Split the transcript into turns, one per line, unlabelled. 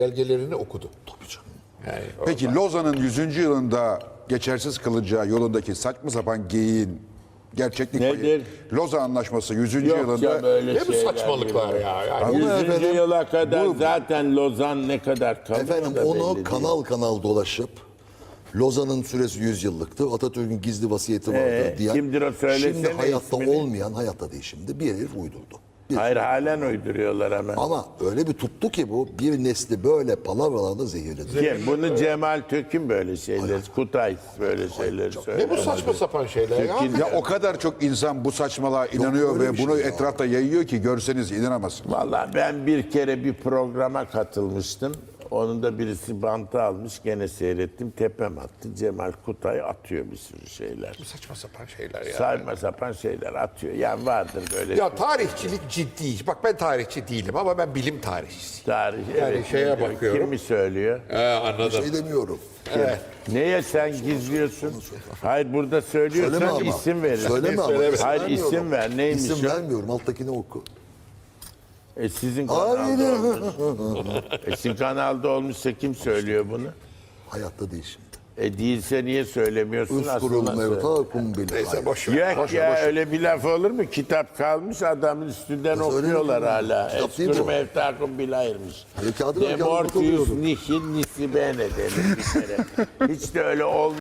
belgelerini okudu.
Tabii canım.
Yani
Peki Lozan'ın 100. yılında geçersiz kılacağı yolundaki saçma sapan geyiğin gerçeklik payı.
Nedir?
Lozan Anlaşması 100.
Yok
yılında
ya böyle
ne bu
şeyler
saçmalıklar
değil.
ya? Yani
Ama
100.
efendim,
yıla kadar
bu-
zaten Lozan ne kadar kalır
Efendim
da
onu
belli
kanal kanal dolaşıp Lozan'ın süresi 100 yıllıktı. Atatürk'ün gizli vasiyeti vardı diye.
kimdir o? Söylesene
Şimdi hayatta
ismini.
olmayan, hayatta değil şimdi bir herif uydurdu. Bir-
Hayır halen uyduruyorlar hemen.
Ama öyle bir tuttu ki bu bir nesli böyle palavralarla zehirledi.
Kim? Bunu Cemal Tökün böyle şeyler, Kutay böyle şeyleri
ne
söylüyor.
bu saçma sapan şeyler ya?
Tekin-
ya o kadar çok insan bu saçmalığa inanıyor
öyle
ve
bir şey
bunu
ya.
etrafta yayıyor ki görseniz inanamazsınız.
Vallahi ben bir kere bir programa katılmıştım. Onun da birisi bantı almış. Gene seyrettim. Tepem attı. Cemal Kutay atıyor bir sürü şeyler.
Saçma sapan şeyler ya.
Saçma sapan şeyler atıyor. Yani vardır böyle
Ya tarihçilik ciddi. Bak ben tarihçi değilim ama ben bilim tarihçisiyim.
tarih.
Yani
evet,
şeye
ne diyor?
bakıyorum.
Kim mi söylüyor?
Anladım.
Şey demiyorum.
Neye sen gizliyorsun? Hayır burada söylüyorsan
Söyleme ama.
isim verin.
Söyleme ama.
Söyleme.
isim
Hayır
vermiyorum.
isim ver. Neymiş
İsim
o?
vermiyorum. Alttakini oku.
Sizin
Hayır.
kanalda olmuş. Sizin kanalda olmuşsa kim söylüyor bunu?
Hayatta değil şimdi.
Değilse niye söylemiyorsun?
Uskurul
Aslında söyle.
mevtakum bil.
Neyse boş ver.
Yok ya öyle bir laf olur mu? Kitap kalmış adamın üstünden
Nasıl öyle
okuyorlar
mi?
hala.
Kitap değil
Eskuru
bu.
mevtakum bilahirmiş.
Kağıdı ben kağıdı
Demortius
okuyordum.
nihil nisibene denir bir kere. Hiç de öyle olmuyor.